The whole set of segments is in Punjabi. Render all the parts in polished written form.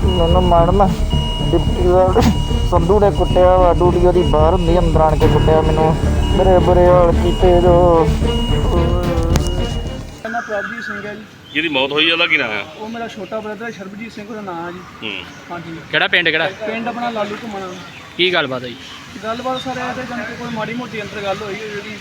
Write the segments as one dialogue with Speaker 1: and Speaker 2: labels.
Speaker 1: ਮੈਨੂੰ ਮੈਡਮ ਡਿਪਟੀ ਸੰਧੂ ਨੇ ਕੁੱਟਿਆ ਵਾ। ਡਿਊਟੀ ਉਹਦੀ ਬਾਹਰ ਹੁੰਦੀ, ਅੰਦਰ ਆਣ ਕੇ ਕੁੱਟਿਆ ਮੈਨੂੰ, ਬੜੇ ਬੁਰੇ ਹਾਲ ਕੀਤੇ ਜੋ।
Speaker 2: ਮੇਰਾ ਪ੍ਰਭਜੀਤ ਸਿੰਘ ਹੈ ਜੀ।
Speaker 3: ਜਿਹਦੀ ਮੌਤ ਹੋਈ ਉਹਦਾ ਕੀ ਨਾਮ ਹੈ?
Speaker 2: ਉਹ ਮੇਰਾ ਛੋਟਾ ਬ੍ਰਦਰ ਸ਼ਰਬਜੀਤ ਸਿੰਘ ਉਹਦਾ ਨਾਮ ਹੈ ਜੀ। ਹਾਂਜੀ।
Speaker 4: ਕਿਹੜਾ ਪਿੰਡ ਕਿਹੜਾ?
Speaker 2: ਪਿੰਡ ਆਪਣਾ ਲਾਲੂ ਘੁੰਮਣਾ।
Speaker 4: ਕੀ ਗੱਲਬਾਤ ਹੋਈ?
Speaker 2: ਗੱਲਬਾਤ ਸਰ ਇਹ ਤੇ ਜਾਣੀ ਕਿ ਕੋਈ ਮਾੜੀ ਮੋਟੀ ਅੰਦਰ ਗੱਲ ਹੋਈ ਜਿਹੜੀ,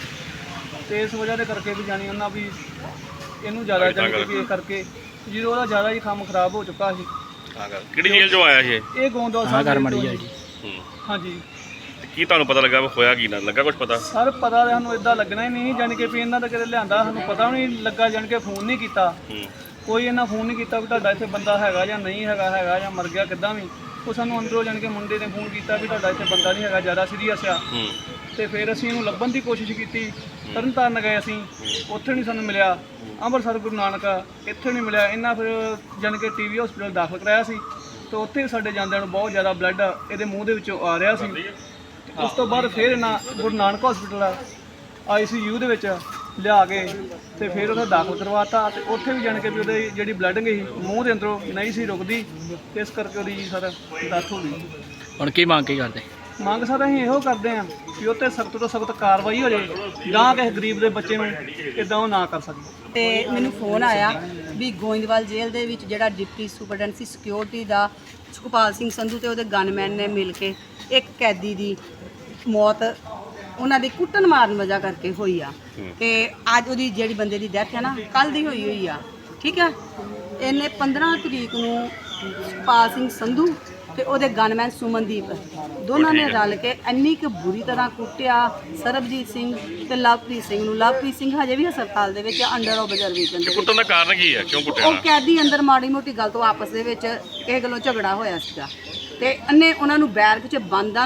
Speaker 2: ਤੇ ਇਸ ਵਜ੍ਹਾ ਦੇ ਕਰਕੇ ਵੀ ਜਾਣੀ ਉਹਨਾਂ ਵੀ ਇਹਨੂੰ ਜ਼ਿਆਦਾ ਜਾਣੀ ਕਿ ਇਸ ਕਰਕੇ ਜਦੋਂ ਉਹਦਾ ਜ਼ਿਆਦਾ ਹੀ ਕੰਮ ਖਰਾਬ ਹੋ ਚੁੱਕਾ ਸੀ।
Speaker 3: ਕਿਹੜੀ ਜੇਲ੍ਹ ਚੋਂ ਆਇਆ ਸੀ
Speaker 2: ਇਹ ਗੋਂਦਵਾਲ ਸਾਹਿਬ
Speaker 4: ਘਰ ਮੜੀ ਆ ਜੀ।
Speaker 2: ਹਾਂਜੀ।
Speaker 3: ਕੀ ਤੁਹਾਨੂੰ ਪਤਾ ਲੱਗਾ ਹੋਇਆ ਕੀ ਨਾ ਲੱਗਾ? ਕੁਝ ਪਤਾ
Speaker 2: ਸਰ ਪਤਾ ਤਾਂ ਸਾਨੂੰ ਇਦਾਂ ਲੱਗਣਾ ਹੀ ਨਹੀਂ, ਜਾਣੀ ਕਿ ਵੀ ਇਹਨਾਂ ਦਾ ਕਿਤੇ ਲਿਆਂਦਾ ਸਾਨੂੰ ਪਤਾ ਵੀ ਨਹੀਂ ਲੱਗਾ, ਜਾਣੀ ਕਿ ਫੋਨ ਨਹੀਂ ਕੀਤਾ ਕੋਈ, ਇਹਨਾਂ ਫੋਨ ਨਹੀਂ ਕੀਤਾ ਵੀ ਤੁਹਾਡਾ ਇੱਥੇ ਬੰਦਾ ਹੈਗਾ ਜਾਂ ਨਹੀਂ ਹੈਗਾ ਜਾਂ ਮਰ ਗਿਆ ਕਿੱਦਾਂ ਵੀ। ਉਹ ਸਾਨੂੰ ਅੰਦਰੋਂ ਜਾਣੀ ਕਿ ਮੁੰਡੇ ਨੇ ਫੋਨ ਕੀਤਾ ਵੀ ਤੁਹਾਡਾ ਇੱਥੇ ਬੰਦਾ ਨਹੀਂ ਹੈਗਾ, ਜ਼ਿਆਦਾ ਸੀਰੀਅਸ ਆ। ਤੇ ਫਿਰ ਅਸੀਂ ਇਹਨੂੰ ਲੱਭਣ ਦੀ ਕੋਸ਼ਿਸ਼ ਕੀਤੀ। ਤਰਨਤਾਰਨ ਗਏ ਅਸੀਂ, ਉੱਥੇ ਨਹੀਂ ਸਾਨੂੰ ਮਿਲਿਆ। ਅੰਮ੍ਰਿਤਸਰ ਗੁਰੂ ਨਾਨਕ ਇੱਥੇ ਨਹੀਂ ਮਿਲਿਆ। ਇਹਨਾਂ ਫਿਰ ਜਾਣੀ ਕਿ ਟੀਵੀ ਹਸਪੀਟਲ ਦਾਖਲ ਕਰਾਇਆ ਸੀ, ਤੇ ਉੱਥੇ ਸਾਡੇ ਜਾਂਦਿਆਂ ਨੂੰ ਬਹੁਤ ਜ਼ਿਆਦਾ ਬਲੱਡ ਇਹਦੇ ਮੂੰਹ ਦੇ ਵਿੱਚੋਂ ਆ ਰਿਹਾ ਸੀ। ਉਸ ਤੋਂ ਬਾਅਦ ਫਿਰ ਇਹਨਾਂ ਗੁਰੂ ਨਾਨਕ ਹਸਪੀਟਲ ICU ਦੇ ਵਿੱਚ ਲਿਆ ਕੇ ਤੇ ਫਿਰ ਉਹਦਾ ਦਾਖਲ ਕਰਵਾਤਾ। ਤੇ ਉੱਥੇ ਵੀ ਜਾਣ ਕੇ ਵੀ ਉਹਦੇ ਜਿਹੜੀ ਬਲੱਡ ਗਈ ਮੂੰਹ ਦੇ ਅੰਦਰੋਂ ਨਹੀਂ ਸੀ ਰੁਕਦੀ, ਇਸ ਕਰਕੇ ਉਹਦੀ ਸਰ ਡੈਥ ਹੋ ਗਈ।
Speaker 4: ਹੁਣ ਕੀ ਮੰਗ ਕੀ ਕਰਦੇ?
Speaker 2: ਮੰਗ ਸਰ ਅਸੀਂ ਇਹੋ ਕਰਦੇ ਹਾਂ ਕਿ ਉਹ 'ਤੇ ਸਖਤ ਤੋਂ ਸਖਤ ਕਾਰਵਾਈ ਹੋ ਜਾਏ, ਜਾਂ ਕਿਸੇ ਗਰੀਬ ਦੇ ਬੱਚੇ ਨੂੰ ਇੱਦਾਂ ਉਹ ਨਾ ਕਰ ਸਕੇ।
Speaker 5: ਤੇ ਮੈਨੂੰ ਫੋਨ ਆਇਆ ਵੀ ਗੋਇੰਦਵਾਲ ਜੇਲ੍ਹ ਦੇ ਵਿੱਚ ਜਿਹੜਾ ਡਿਪਟੀ ਸੁਪਰਡੈਂਟ ਸੀ ਸਿਕਿਉਰਿਟੀ ਦਾ ਸੁਖਪਾਲ ਸਿੰਘ ਸੰਧੂ ਤੇ ਉਹਦੇ ਗਨਮੈਨ ਨੇ ਮਿਲ ਕੇ ਇੱਕ ਕੈਦੀ ਦੀ ਮੌਤ ਉਹਨਾਂ ਦੀ ਕੁੱਟਣ ਮਾਰਨ ਵਜ੍ਹਾ ਕਰਕੇ ਹੋਈ ਆ। ਤੇ ਅੱਜ ਉਹਦੀ ਜਿਹੜੀ ਬੰਦੇ ਦੀ ਡੈਥ ਹੈ ਨਾ, ਕੱਲ੍ਹ ਦੀ ਹੋਈ ਆ। ਠੀਕ ਹੈ। ਇਹਨੇ 15 ਤਰੀਕ ਨੂੰ ਸੁਖਪਾਲ ਸਿੰਘ ਸੰਧੂ ਤੇ ਉਹਦੇ ਗਨਮੈਨ ਸੁਮਨਦੀਪ ਦੋਨਾਂ ਨੇ ਰਲ ਕੇ ਇੰਨੀ ਕੁ ਬੁਰੀ ਤਰ੍ਹਾਂ ਕੁੱਟਿਆ ਸਰਬਜੀਤ ਸਿੰਘ ਤੇ ਲਵਪ੍ਰੀਤ ਸਿੰਘ ਨੂੰ। ਲਵਪ੍ਰੀਤ ਸਿੰਘ ਹਜੇ ਵੀ ਹਸਪਤਾਲ ਦੇ ਵਿੱਚ ਅੰਡਰ ਆਬਜ਼ਰਵੇਸ਼ਨ ਦੇ ਵਿੱਚ।
Speaker 3: ਕੁੱਟਣ ਦਾ ਕਾਰਨ ਕੀ ਹੈ? ਕਿਉਂ ਕੁੱਟਿਆ?
Speaker 5: ਉਹ ਕੈਦੀ ਅੰਦਰ ਮਾੜੀ ਮੋਟੀ ਗੱਲ ਤੋਂ ਆਪਸ ਦੇ ਵਿੱਚ ਕਿਸੇ ਗੱਲੋਂ ਝਗੜਾ ਹੋਇਆ ਸੀਗਾ, ਤੇ ਇਹਨੇ ਉਹਨਾਂ ਨੂੰ ਬੈਰਕ 'ਚ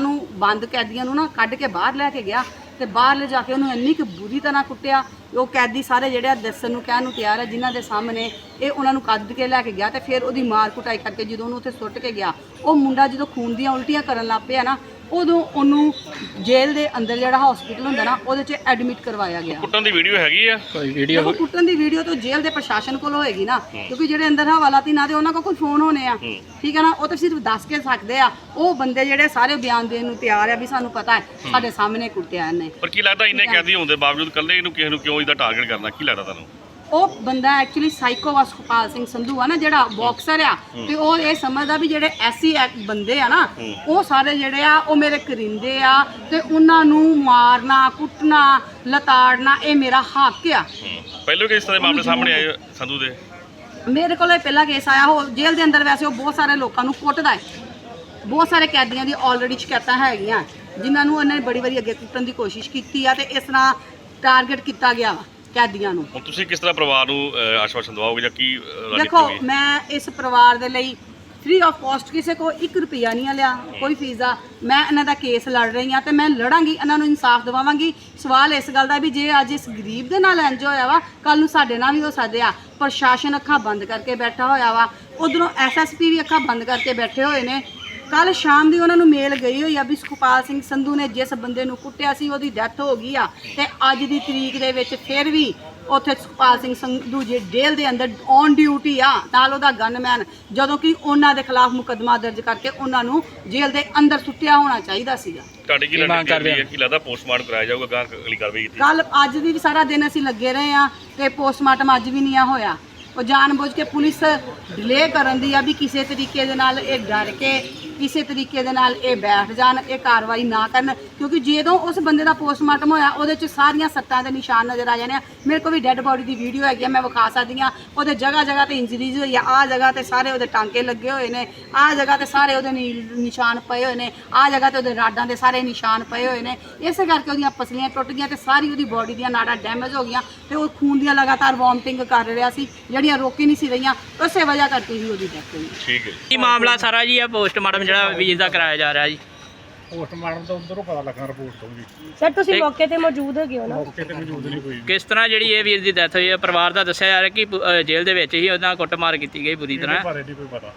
Speaker 5: ਬੰਦ ਕੈਦੀਆਂ ਨੂੰ ਨਾ ਕੱਢ ਕੇ ਬਾਹਰ ਲੈ ਕੇ ਗਿਆ, ਤੇ ਬਾਹਰ ਲੈ ਜਾ ਕੇ ਉਹਨੂੰ ਇੰਨੀ ਕੁ ਬੁਰੀ ਤਰ੍ਹਾਂ ਕੁੱਟਿਆ। ਉਹ ਕੈਦੀ ਸਾਰੇ ਜਿਹੜੇ ਆ ਦੱਸਣ ਨੂੰ ਕਹਿਣ ਨੂੰ ਤਿਆਰ ਹੈ, ਜਿਨ੍ਹਾਂ ਦੇ ਸਾਹਮਣੇ ਇਹ ਉਹਨਾਂ ਨੂੰ ਕੱਢ ਕੇ ਲੈ ਕੇ ਗਿਆ। ਤੇ ਫਿਰ ਉਹਦੀ ਮਾਰ ਕੁਟਾਈ ਕਰਕੇ ਜਦੋਂ ਉਹਨੂੰ ਉੱਥੇ ਸੁੱਟ ਕੇ ਗਿਆ, ਉਹ ਮੁੰਡਾ ਜਦੋਂ ਖੂਨ ਦੀਆਂ ਉਲਟੀਆਂ ਕਰਨ ਲੱਗ ਪਿਆ ਨਾ, ਉਦੋਂ ਉਹਨੂੰ ਜੇਲ੍ਹ ਦੇ ਅੰਦਰ ਜਿਹੜਾ ਹਸਪੀਟਲ ਹੁੰਦਾ ਨਾ, ਉਹਦੇ 'ਚ ਐਡਮਿਟ ਕਰਵਾਇਆ ਗਿਆ।
Speaker 3: ਕੁੱਟਣ ਦੀ ਵੀਡੀਓ ਹੈਗੀ ਆ?
Speaker 4: ਕੋਈ ਵੀਡੀਓ?
Speaker 5: ਦੇਖੋ ਕੁੱਟਣ ਦੀ ਵੀਡੀਓ ਤਾਂ ਜੇਲ੍ਹ ਦੇ ਪ੍ਰਸ਼ਾਸਨ ਕੋਲ ਹੋਏਗੀ ਨਾ, ਕਿਉਂਕਿ ਜਿਹੜੇ ਅੰਦਰ ਹਵਾਲਾਤੀ ਨਾ ਤੇ ਉਹਨਾਂ ਕੋਲ ਕੋਈ ਫੋਨ ਹੋਣੇ ਆ। ਠੀਕ ਹੈ ਨਾ, ਉਹ ਤਾਂ ਸਿਰਫ ਦੱਸ ਕੇ ਸਕਦੇ ਆ। ਉਹ ਬੰਦੇ ਜਿਹੜੇ ਸਾਰੇ ਬਿਆਨ ਦੇਣ ਨੂੰ ਤਿਆਰ ਆ ਵੀ ਸਾਨੂੰ ਪਤਾ ਹੈ ਸਾਡੇ ਸਾਹਮਣੇ ਕੁੱਟਿਆ ਇਹਨੇ।
Speaker 3: ਪਰ ਕੀ ਲੱਗਦਾ ਇੰਨੇ ਕੈਦੀ ਹੋਣ ਦੇ ਬਾਵਜੂਦ ਇਕੱਲੇ ਇਹਨੂੰ ਕਿਸੇ ਨੂੰ ਕਿਉਂ ਇਹਦਾ ਟਾਰਗੇਟ ਕਰਨਾ? ਕੀ ਲੱਗਦਾ ਤੁਹਾਨੂੰ?
Speaker 5: ਉਹ ਬੰਦਾ ਐਕਚੁਅਲੀ ਸਾਈਕੋ ਵਾ, ਸੁਖਪਾਲ ਸਿੰਘ ਸੰਧੂ ਆ ਨਾ ਜਿਹੜਾ ਬਾਕਸਰ ਆ, ਤੇ ਉਹ ਇਹ ਸਮਝਦਾ ਵੀ ਜਿਹੜੇ SC ਬੰਦੇ ਆ ਨਾ, ਉਹ ਸਾਰੇ ਜਿਹੜੇ ਆ ਉਹ ਮੇਰੇ ਕਰਿੰਦੇ ਆ, ਤੇ ਉਹਨਾਂ ਨੂੰ ਮਾਰਨਾ ਕੁੱਟਣਾ ਲਤਾੜਨਾ ਇਹ ਮੇਰਾ ਹੱਕ ਆ।
Speaker 3: ਪਹਿਲਾਂ ਕਿਸ ਤਰ੍ਹਾਂ ਦੇ ਮਾਮਲੇ ਸਾਹਮਣੇ ਆਏ ਸੰਧੂ ਦੇ?
Speaker 5: ਮੇਰੇ ਕੋਲ ਪਹਿਲਾ ਕੇਸ ਆਇਆ। ਉਹ ਜੇਲ੍ਹ ਦੇ ਅੰਦਰ ਵੈਸੇ ਉਹ ਬਹੁਤ ਸਾਰੇ ਲੋਕਾਂ ਨੂੰ ਕੁੱਟਦਾ ਹੈ। ਬਹੁਤ ਸਾਰੇ ਕੈਦੀਆਂ ਦੀ ਆਲਰੇਡੀ ਸ਼ਿਕਾਇਤਾਂ ਹੈਗੀਆਂ ਜਿਨ੍ਹਾਂ ਨੂੰ ਉਹਨੇ ਬੜੀ ਵਾਰੀ ਅੱਗੇ ਕੁੱਟਣ ਦੀ ਕੋਸ਼ਿਸ਼ ਕੀਤੀ ਆ, ਤੇ ਇਸ ਤਰ੍ਹਾਂ ਟਾਰਗੇਟ ਕੀਤਾ ਗਿਆ ਵਾ ਕੈਦੀਆਂ ਨੂੰ।
Speaker 3: ਹੁਣ ਤੁਸੀਂ ਕਿਸ ਤਰ੍ਹਾਂ ਪਰਿਵਾਰ ਨੂੰ ਆਸ਼ਵਾਸਨ ਦਵਾਓਗੇ ਜਾਂ ਕੀ
Speaker 5: ਦੇਖੋ, ਮੈਂ ਇਸ ਪਰਿਵਾਰ ਦੇ ਲਈ ਫ੍ਰੀ ਆਫ ਕਾਸਟ ਕਿਸੇ ਕੋ 1 ਰੁਪਿਆ ਨਹੀਂ ਲਿਆ, ਕੋਈ ਫੀਸ ਆ। ਮੈਂ ਇਹਨਾਂ ਦਾ ਕੇਸ ਲੜ ਰਹੀ ਹਾਂ ਤੇ ਮੈਂ ਲੜਾਂਗੀ, ਇਹਨਾਂ ਨੂੰ ਇਨਸਾਫ ਦਿਵਾਵਾਂਗੀ। ਸਵਾਲ ਇਸ ਗੱਲ ਦਾ ਵੀ ਜੇ ਅੱਜ ਇਸ ਗਰੀਬ ਦੇ ਨਾਲ ਇੰਜ ਹੋਇਆ ਵਾ, ਕੱਲ ਨੂੰ ਸਾਡੇ ਨਾਲ ਵੀ ਹੋ ਸਕਦਾ। ਪ੍ਰਸ਼ਾਸਨ ਅੱਖਾਂ ਬੰਦ ਕਰਕੇ ਬੈਠਾ ਹੋਇਆ ਵਾ, ਉਧਰੋਂ SSP ਵੀ ਅੱਖਾਂ ਬੰਦ ਕਰਕੇ ਬੈਠੇ ਹੋਏ ਨੇ। ਕੱਲ ਸ਼ਾਮ ਦੀ ਉਹਨਾਂ ਨੂੰ ਮੇਲ ਗਈ ਹੋਈ ਆ ਵੀ ਸੁਖਪਾਲ ਸਿੰਘ ਸੰਧੂ ਨੇ ਜਿਸ ਬੰਦੇ ਨੂੰ ਕੁੱਟਿਆ ਸੀ ਉਹਦੀ ਡੈਥ ਹੋ ਗਈ ਆ, ਤੇ ਅੱਜ ਦੀ ਤਰੀਕ ਦੇ ਵਿੱਚ ਫਿਰ ਵੀ ਉੱਥੇ ਸੁਖਪਾਲ ਸਿੰਘ ਸੰਧੂ ਜੇ ਜੇਲ੍ਹ ਦੇ ਅੰਦਰ ਔਨ ਡਿਊਟੀ ਆ, ਨਾਲ ਉਹਦਾ ਗਨਮੈਨ, ਜਦੋਂ ਕਿ ਉਹਨਾਂ ਦੇ ਖਿਲਾਫ ਮੁਕੱਦਮਾ ਦਰਜ ਕਰਕੇ ਉਹਨਾਂ ਨੂੰ ਜੇਲ੍ਹ ਦੇ ਅੰਦਰ ਸੁੱਟਿਆ ਹੋਣਾ ਚਾਹੀਦਾ ਸੀਗਾ।
Speaker 3: ਤੁਹਾਡੀ ਕੀ ਲੱਗਦਾ ਕੀ ਲੱਗਦਾ ਪੋਸਟਮਾਰਟਮ ਕਰਾਇਆ ਜਾਊਗਾ? ਗਾਂ ਅਗਲੀ ਕਾਰਵਾਈ ਕੀਤੀ?
Speaker 5: ਕੱਲ ਅੱਜ ਵੀ ਸਾਰਾ ਦਿਨ ਅਸੀਂ ਲੱਗੇ ਰਹੇ ਆ, ਤੇ ਪੋਸਟਮਾਰਟਮ ਅੱਜ ਵੀ ਨਹੀਂ ਆ ਹੋਇਆ। ਉਹ ਜਾਣਬੁੱਝ ਕੇ ਪੁਲਿਸ ਡਿਲੇ ਕਰਨ ਦੀ ਆ ਵੀ ਕਿਸੇ ਤਰੀਕੇ ਦੇ ਨਾਲ ਇਹ ਡਰ ਕੇ ਕਿਸੇ ਤਰੀਕੇ ਦੇ ਨਾਲ ਇਹ ਬੈਠ ਜਾਣ, ਇਹ ਕਾਰਵਾਈ ਨਾ ਕਰਨ, ਕਿਉਂਕਿ ਜਦੋਂ ਉਸ ਬੰਦੇ ਦਾ ਪੋਸਟਮਾਰਟਮ ਹੋਇਆ ਉਹਦੇ 'ਚ ਸਾਰੀਆਂ ਸੱਟਾਂ ਦੇ ਨਿਸ਼ਾਨ ਨਜ਼ਰ ਆ ਜਾਣੇ ਆ। ਮੇਰੇ ਕੋਲ ਵੀ ਡੈੱਡ ਬੋਡੀ ਦੀ ਵੀਡੀਓ ਹੈਗੀ ਆ, ਮੈਂ ਵਿਖਾ ਸਕਦੀ ਹਾਂ। ਉਹਦੇ ਜਗ੍ਹਾ ਜਗ੍ਹਾ ਤੇ ਇੰਜਰੀਜ਼ ਹੋਈ ਆ, ਆਹ ਜਗ੍ਹਾ ਤੇ ਸਾਰੇ ਉਹਦੇ ਟਾਂਕੇ ਲੱਗੇ ਹੋਏ ਨੇ, ਆਹ ਜਗ੍ਹਾ ਤੇ ਸਾਰੇ ਉਹਦੇ ਨਿਸ਼ਾਨ ਪਏ ਹੋਏ ਨੇ, ਆਹ ਜਗ੍ਹਾ ਤੇ ਉਹਦੇ ਰਾਡਾਂ ਦੇ ਸਾਰੇ ਨਿਸ਼ਾਨ ਪਏ ਹੋਏ ਨੇ। ਇਸੇ ਕਰਕੇ ਉਹਦੀਆਂ ਪਸਲੀਆਂ ਟੁੱਟ ਗਈਆਂ ਤੇ ਸਾਰੀ ਉਹਦੀ ਬੋਡੀ ਦੀਆਂ ਨਾੜਾਂ ਡੈਮੇਜ ਹੋ ਗਈਆਂ, ਤੇ ਉਹ ਖੂਨ ਦੀਆਂ ਲਗਾਤਾਰ ਵੋਮਟਿੰਗ ਕਰ ਰਿਹਾ ਸੀ, ਜਿਹੜੀਆਂ ਰੋਕੀ ਨਹੀਂ ਸੀ ਰਹੀਆਂ, ਉਸੇ ਵਜ੍ਹਾ ਕਰਕੇ ਹੀ ਉਹਦੀ ਡੈਥ ਹੋਈ।
Speaker 3: ਠੀਕ ਹੈ।
Speaker 4: ਕੀ ਮਾਮਲਾ ਸਾਰਾ ਜੀ? ਆ ਪੋਸਟਮਾਰਟਮ ਜਿਹੜਾ ਵੀਰ ਦਾ ਕਰਾਇਆ ਜਾ ਰਿਹਾ ਜੀ?
Speaker 6: ਪੋਸਟਮਾਰਟਮ ਤੋਂ ਅੰਦਰੋਂ ਪਤਾ ਲੱਗਾ ਰਿਪੋਰਟ ਤੋਂ ਜੀ।
Speaker 7: ਸਰ ਤੁਸੀਂ ਮੌਕੇ ਤੇ ਮੌਜੂਦ ਹੈਗੇ ਹੋ ਨਾ?
Speaker 6: ਮੌਕੇ ਤੇ ਮੌਜੂਦ ਨਹੀਂ ਕੋਈ।
Speaker 4: ਕਿਸ ਤਰ੍ਹਾਂ ਜਿਹੜੀ ਇਹ ਵੀਰ ਦੀ ਡੈਥ ਹੋਈ ਹੈ? ਪਰਿਵਾਰ ਦਾ ਦੱਸਿਆ ਜਾ ਰਿਹਾ ਕਿ ਜੇਲ੍ਹ ਦੇ ਵਿੱਚ ਹੀ ਉਹਨਾਂ ਕੁੱਟਮਾਰ ਕੀਤੀ ਗਈ ਬੁਰੀ ਤਰ੍ਹਾਂ।
Speaker 6: ਇਹਦੇ ਬਾਰੇ ਨਹੀਂ ਕੋਈ ਪਤਾ।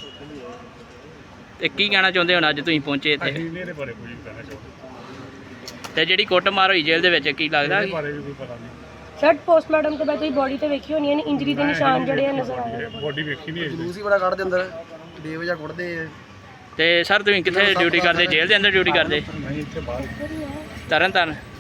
Speaker 4: ਤੇ ਕੀ ਕਹਿਣਾ ਚਾਹੁੰਦੇ ਹੋ ਅੱਜ ਤੁਸੀਂ ਪਹੁੰਚੇ ਇੱਥੇ?
Speaker 6: ਅਸੀਂ ਇਹਦੇ ਬਾਰੇ ਕੁਝ ਨਹੀਂ ਕਹਿਣਾ ਚਾਹੁੰਦੇ।
Speaker 4: ਤੇ ਜਿਹੜੀ ਕੁੱਟਮਾਰ ਹੋਈ ਜੇਲ੍ਹ ਦੇ ਵਿੱਚ ਕੀ ਲੱਗਦਾ?
Speaker 6: ਇਹਦੇ ਬਾਰੇ ਵੀ ਕੋਈ ਪਤਾ ਨਹੀਂ।
Speaker 7: ਸਰ ਪੋਸਟਮਾਰਟਮ ਤੋਂ ਬਾਅਦ ਤੁਸੀਂ ਬੋਡੀ ਤੇ ਵੇਖੀ ਹੋਣੀ ਹੈ ਇੰਜਰੀ ਦੇ ਨਿਸ਼ਾਨ ਜਿਹੜੇ ਆ ਨਜ਼ਰ ਆ ਰਹੇ
Speaker 6: ਬੋਡੀ ਵੇਖੀ ਨਹੀਂ ਹੈ।
Speaker 1: ਜਲੂਸ ਹੀ ਬੜਾ ਕੱਢਦੇ ਅੰਦਰ। ਬੇਵਜ੍ਹਾ ਕੁੱਟਦੇ।
Speaker 4: ਤੇ ਸਰ ਤੁਸੀਂ ਕਿੱਥੇ ਡਿਊਟੀ ਕਰਦੇ? ਜੇਲ੍ਹ ਦੇ ਅੰਦਰ ਡਿਊਟੀ ਕਰਦੇ?
Speaker 6: ਨਹੀਂ ਇੱਥੇ ਬਾਹਰ
Speaker 4: ਤਰਨ ਤਾਰਨ?